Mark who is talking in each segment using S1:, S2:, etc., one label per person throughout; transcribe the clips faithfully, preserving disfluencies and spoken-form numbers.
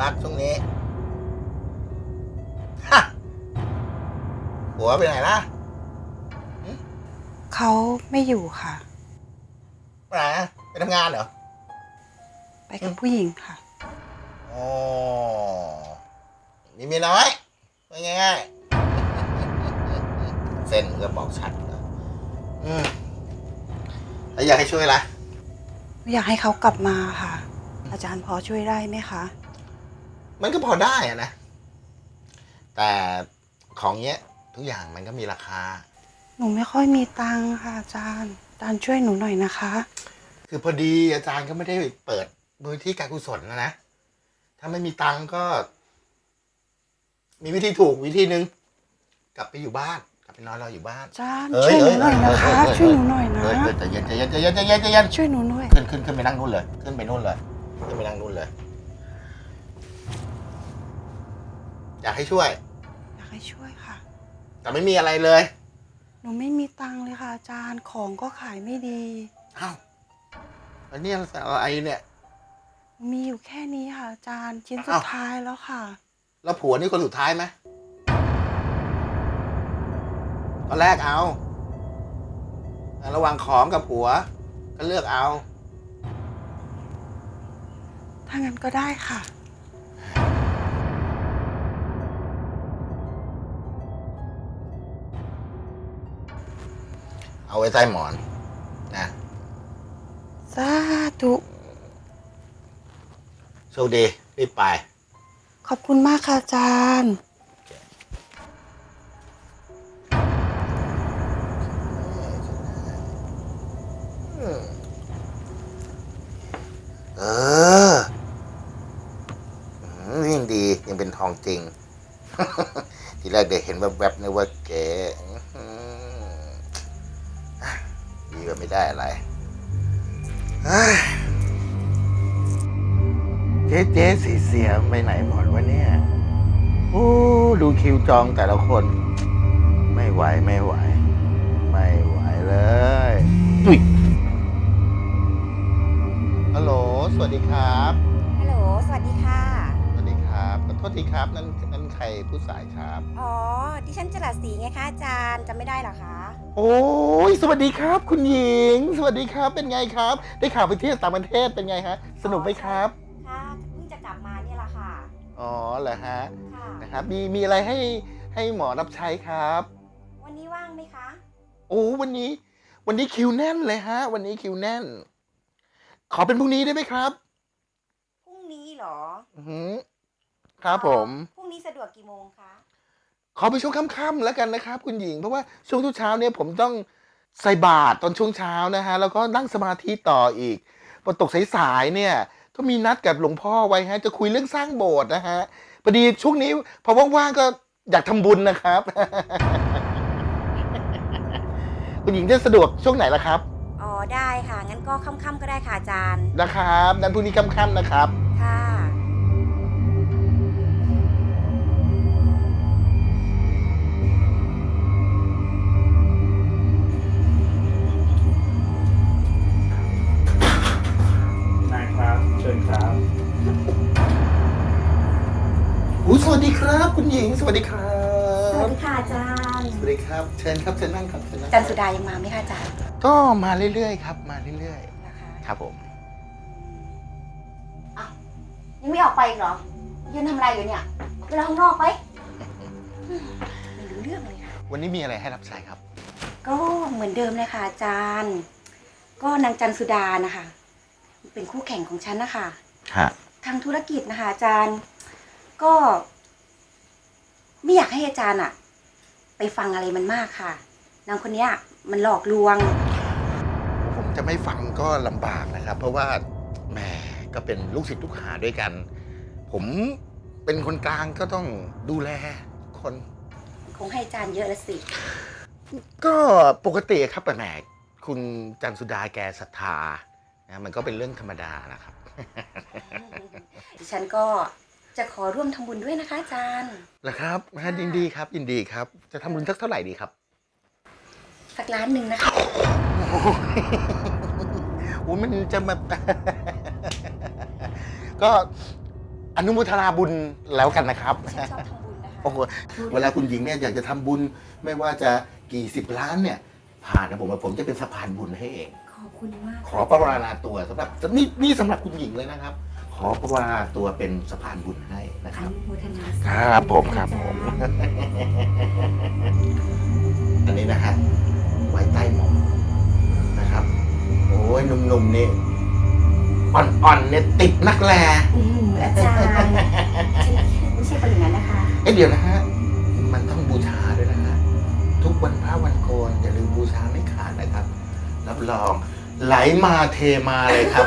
S1: รักช่วงนี้ฮะผัวไปไหนล่ะ
S2: เขาไม่อยู่ค่ะ
S1: ไปไหนไปทำงานเหรอ
S2: ไปกับผู้หญิงค่ะ
S1: อ๋อมีเมียน้อยง่ายๆเส้นก็บอกชัดนะอืมแล้วอยากให้ช่วยอะไร
S2: อยากให้เขากลับมาค่ะ อาจารย์พอช่วยได้ไหมคะ
S1: มันก็พอได้อะนะแต่ของเนี้ยทุกอย่างมันก็มีราคา
S2: หนูไม่ค่อยมีตังค์ค่ะอาจารย์อาจารย์ช่วยหนูหน่อยนะคะ
S1: คือพอดีอาจารย์ก็ไม่ได้เปิดมูลที่การกุศลนะนะถ้าไม่มีตังค์ก็ มีวิธีถูกวิธีนึงกลับไปอยู่บ้านกลับไปนอนรออยู่บ้าน
S2: อาจารย์ช่วยหนูหน่อยนะคะช่วยหนูหน่อยนะ
S1: ใจเย็นใจเย็นใจเย็นใจเย็นใจเย็น
S2: ช่วยหนูหน่อย
S1: ขึ้นขึ้นขึ้นไปนั่งนู่นเลยขึ้นไปนู่นเลยขึ้นไปนั่งนู่นเลยอยากให้ช่วย
S2: อยากให้ช่วยค่ะ
S1: แต่ไม่มีอะไรเลย
S2: หนูไม่มีตังค์เลยค่ะอาจารย์ของก็ขายไม่ดี
S1: อ้าวแล้วเนี่ยอะไรเนี่ย
S2: มีอยู่แค่นี้ค่ะอาจารย์ชิ้นสุดท้ายแล้วค่ะ
S1: แล้วผัวนี่คนสุดท้ายไหมตอนแรกเอาระหว่างของกับผัวก็เลือกเอา
S2: ถ้างั้นก็ได้ค่ะ
S1: เอาไว้ใต้หมอนนะ
S2: สาธุ
S1: โชคดีรีบไป
S2: ขอบคุณมากค่ะอาจารย์
S1: เออยังดียังเป็นทองจริง ทีแรกเด็กเห็นแวบๆนึกว่าเก๋ดีกว่าไม่ได้อะไรเจ๊เจ๊สีเสียไปไหนหมดวะเนี่ยโอ้ดูคิวจองแต่ละคนไม่ไหวไม่ไหวไม่ไหวเลยอุ๊ยฮัลโหลสวัสดีครับ
S3: ฮัลโหลสวัสดีค่ะ
S1: สวัสดีครับขอโทษทีครับนั่นนั่นใครผู้สายครับ
S3: อ๋อดิฉันจรัสศรีไงคะอาจารย์จำไม่ได้หรอคะ
S1: โอ้ยสวัสดีครับคุณหญิงสวัสดีครับเป็นไงครับได้ข่าวไปเที่ยวต่างประเทศเป็นไงฮะสนุกไหมครับ
S3: ค่ะเพิ่งจะกลับมาเนี่ยแหละค่ะ
S1: อ๋อเหรอฮะ
S3: ค่ะ
S1: นะครับมีมีอะไรให้ให้หมอรับใช้ครับ
S3: วันนี้ว่างไหมคะ
S1: โอ้วันนี้วันนี้คิวแน่นเลยฮะวันนี้คิวแน่นขอเป็นพรุ่งนี้ได้ไหมครับ
S3: พรุ่งนี้เหรอ
S1: อือครับผม
S3: พรุ่งนี้สะดวกกี่โมงคะ
S1: ขอไปช่วงค่ำๆแล้วกันนะครับคุณหญิงเพราะว่าช่วงเช้าเนี่ยผมต้องใส่บาตรตอนช่วงเช้านะฮะแล้วก็นั่งสมาธิต่ออีกพอตกสายๆเนี่ยก็มีนัดกับหลวงพ่อไว้ฮะจะคุยเรื่องสร้างโบสถ์นะฮะพอดีช่วงนี้พอว่างๆก็อยากทำบุญนะครับ คุณหญิงจะสะดวกช่วงไหนล่ะครับ
S3: อ๋อได้ค่ะงั้นก็ค่ำๆก็ได้ค่ะอาจารย์
S1: นะครับนั้นพรุ่งนี้ค่ำๆนะครับ
S3: ค่ะ
S1: นะครับเชิญครับอู้สวัสดีครับคุณหญิงสวัสดีครับ
S3: สวัสดีค่ะอาจารย์
S1: สวัสดีครับเชิญครับเชิญนั่งครับเชิญนั่ง
S3: จันสุดายังมาไหมคะอาจารย์
S1: ก็มาเรื่อยๆครับมาเรื่อย
S3: ๆนะคะ
S1: ครับผม
S3: อ้าวยังไม่ออกไปอีกเหรอยืนทำอะไรอยู่เนี่ยไปรอข้างนอกไปไม่รู้เรื่องเลยค่ะ
S1: วันนี้มีอะไรให้รับใช้ครับ
S3: ก็เหมือนเดิมเลยค่ะอาจารย์ก็นางจันสุดานะคะเป็นคู่แข่งของฉันนะคะทางธุรกิจนะคะอาจารย์ก็ไม่อยากให้อาจารย์อะไปฟังอะไรมันมากค่ะนางคนนี้มันหลอกลวง
S1: ผมจะไม่ฟังก็ลำบากนะครับเพราะว่าแหมก็เป็นลูกศิษย์ลูกหาด้วยกันผมเป็นคนกลางก็ต้องดูแลคน
S3: คงให้อาจารย์เยอะละสิ
S1: ก็ปกติครับแต่แหมคุณจันสุดาแกศรัทธานะมันก็เป็นเรื่องธรรมดานะครับ
S3: ดิฉันก็จะขอร่วมทำบุญด้วยนะคะอาจารย์
S1: เหรอครับยินดีครับยินดีครับจะทำบุญสักเท่าไหร่ดีครับ
S3: สักล้านหนึ่งนะคะ
S1: โอ้มันจะมาก็อนุโมทนาบุญแล้วกันนะครับ
S3: ฉันชอบทำบุญนะคะ
S1: โอ้โหเวลาคุณหญิงเนี่ยอยากจะทำบุญไม่ว่าจะกี่สิบล้านเนี่ย ผ่านนะผมว่าผมจะเป็นสะพานบุญให้เอง
S3: ขอบคุณมาก
S1: ขอประวาราตัวสำหรับนี่นี่สำหรับคุณหญิงเลยนะครับ ขอประวาราตัวเป็นสะพานบุญให้นะ
S3: อ
S1: ครับ
S3: นุโมทนา
S1: ครับผมครับผม
S3: อาจารย์
S1: อันนี้นะฮะไว้ใต้หมอนนะครับ โอ้ยหนุ่มๆนี่อ่อนๆเนี่ยติดนักแล
S3: อืมอาจารย์ฉันไม่ใช่คนอย่างนั้นนะคะ
S1: เอ๊ะเดี๋ยวนะฮะมันต้องบูชาด้วยนะฮะทุกวันพระวันโกนอย่าลืมบูชาไม่ขาดนะครับรับรองไหลมาเทมาเลยครับ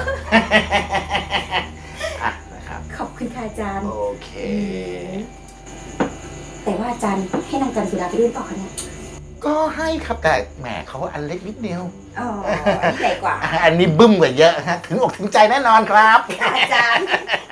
S1: อ่ะนะครับ
S3: ขอบคุณค่ะอาจารย์
S1: โอเค
S3: แต่ว่าอาจารย์ให้นางจันทร์สุดาไปด้วยเปล่าคะเนี่ย
S1: ก็ให้ครับแต่แหมเขาอันเล็กนิดเดียว
S3: อ๋ออันนี้ใหญ่กว่า
S1: อันนี้บึ้มกว่าเยอะฮะถึงอกถึงใจแน่นอนครับ
S3: ค่ะอาจารย์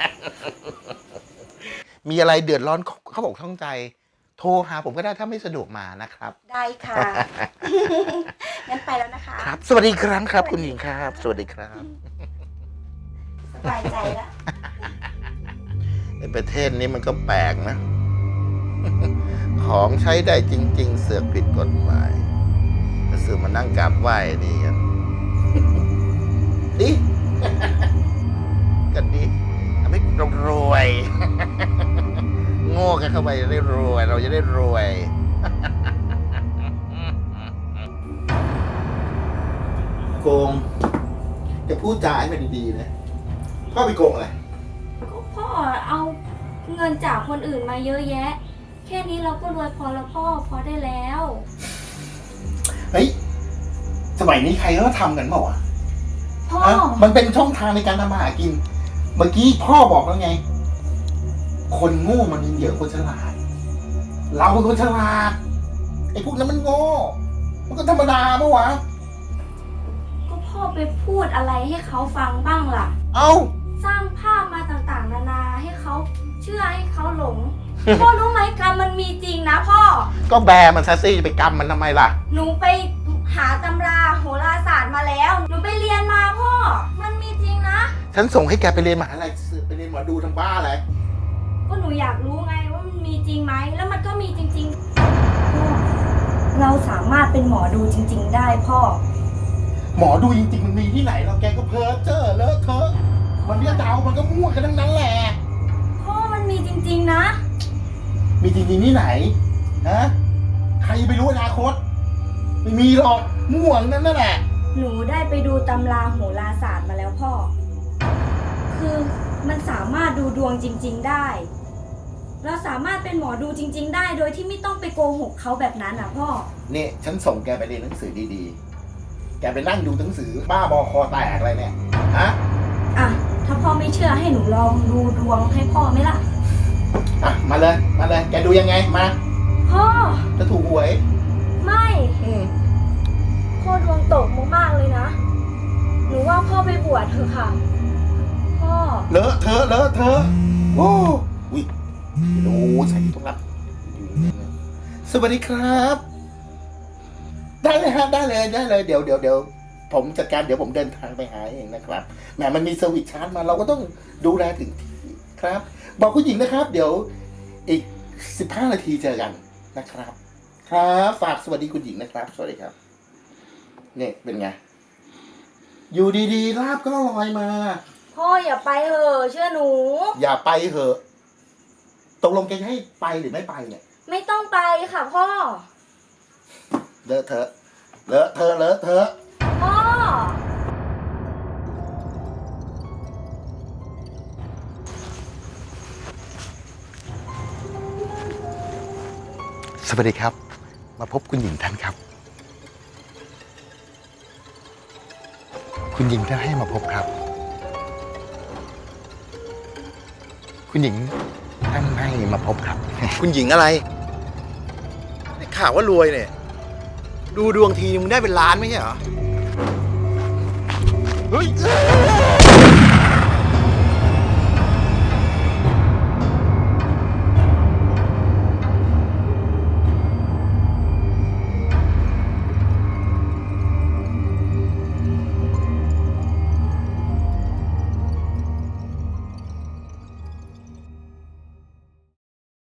S1: มีอะไรเดือดร้อนเขาบอกท้องใจ โทรหาผมก็ได้ถ้าไม่สะดวกมานะครับ
S3: ได้ค่ะ งั้นไปแล้วนะคะ
S1: ครับ สวัสดีครั้งครับ คุณหญิงครับ สวัสดีครับ
S3: สบายใจแล้ว
S1: ในประเทศนี้มันก็แปลกนะ ของใช้ได้จริง ๆ เสือกผิดกฎหมายแล้วเสือกมานั่งกราบไหว้นี่กัน ดิ กันดิทำให้เรารวย โง่กันเข้าไปจะได้รวย เราจะได้รวย โกง จะพูดจาให้มันดีๆนะพ่อไปโกงอะไร
S4: ก็พ่อเอาเงินจากคนอื่นมาเยอะแยะ แค่นี้เราก็รวยพอแล้วพ่อพอได้แล้ว
S1: เฮ้ย สมัยนี้ใครเขาทำกันเปล่าวะ
S4: พ่อ
S1: ฮะมันเป็นช่องทางในการทำมาหากิน เมื่อกี้พ่อบอกแล้วไง คนโง่มันมีเหยื่อคนฉลาด เราเป็นคนฉลาด ไอ้พวกนั้นมันโง่ มันก็ธรรมดาปะวะ
S4: ก็พ่อไปพูดอะไรให้เขาฟังบ้างล่ะ
S1: เอ้า
S4: สร้างภาพมาต่างๆ นานาให้เขาเชื่อให้เขาหลง พ่อรู้ไหมกรรมมันมีจริงนะพ่อ
S1: ก็แบมันซะสิจะไปกรรมมันทำไมล่ะ
S4: หนูไปหาตำราโหราศาสตร์มาแล้ว หนูไปเรียนมาพ่อ มันมีจริงนะ
S1: ฉันส่งให้แกไปเรียนมหาลัยไปเรียนหมอดูทำบ้าอะไร
S4: ก็หนูอยากรู้ไงว่ามันมีจริงไหม แล้วมันก็มีจริงๆ พ่อ เราสามารถเป็นหมอดูจริง ๆ ได้พ่อ
S1: หมอดูจริงๆมันมีที่ไหนเราแกก็เพ้อเจ้อเลอะเทอะมันเรียกดาวมันก็มั่วกันทั้งนั้นแหละ
S4: พ่อมันมีจริง ๆ นะ
S1: มีจริงๆที่ไหน ฮะ ใครไปรู้อนาคต ไม่มีหรอก มั่วนั่นนั่นแหละ
S4: หนูได้ไปดูตำราโหราศาสตร์มาแล้วพ่อ คือมันสามารถดูดวงจริง ๆ ได้ เราสามารถเป็นหมอดูจริง ๆ ได้โดยที่ไม่ต้องไปโกหกเขาแบบนั้นอ่ะพ่อ
S1: นี่ฉันส่งแกไปเรียนหนังสือดีๆ แกไปนั่งดูหนังสือบ้าบอคอแตกอะไรเนี่ย ฮะ
S4: อ่ะ ถ้าพ่อไม่เชื่อให้หนูลองดูดวงให้พ่อไหมล่ะ
S1: อ่ะ มาเลย มาเลย แกดูยังไง มา
S4: พ่อ
S1: จะถูกหวย
S4: ไม่
S1: อืม
S4: พ่อดวงตกมากๆเลยนะ หนูว่าพ่อไปบวชเถอะค่ะ พ่อ
S1: เลอะเทอะเลอะเทอะโอ้วิโอ้ใส่ตรงรับสวัสดีครับ ได้เลยฮะได้เลยได้เลย เดี๋ยวเดี๋ยวเดี๋ยวผมจัดการเดี๋ยวผมเดินทางไปหาเองนะครับแหมมันมีเซอร์วิสชาร์จมาเราก็ต้องดูแลถึงที่ครับ บอกคุณหญิงนะครับ เดี๋ยวอีกสิบห้านาทีเจอกันนะครับ ครับฝากสวัสดีคุณหญิงนะครับ สวัสดีครับนี่เป็นไง อยู่ดีๆลาบก็ลอยมา
S4: พ่ออย่าไปเถอะเชื่อหนู
S1: อย่าไปเหอะ ตกลงแกจะให้ไปหรือไม่ไปเนี่ย
S4: ไม่ต้องไปค่ะพ่อ
S1: เลอะเทอะ เลอะเทอะ เลอะเทอะ
S4: พ่อ
S1: สวัสดีครับ มาพบคุณหญิงท่านครับ คุณหญิงท่านให้มาพบครับ คุณหญิงท่านให้มาพบครับ
S5: คุณหญิงอะไรได้ข่าวว่ารวยเนี่ย ดูดวงทีนึงได้เป็นล้านไม่ใช่เหรอ
S1: เฮ้ย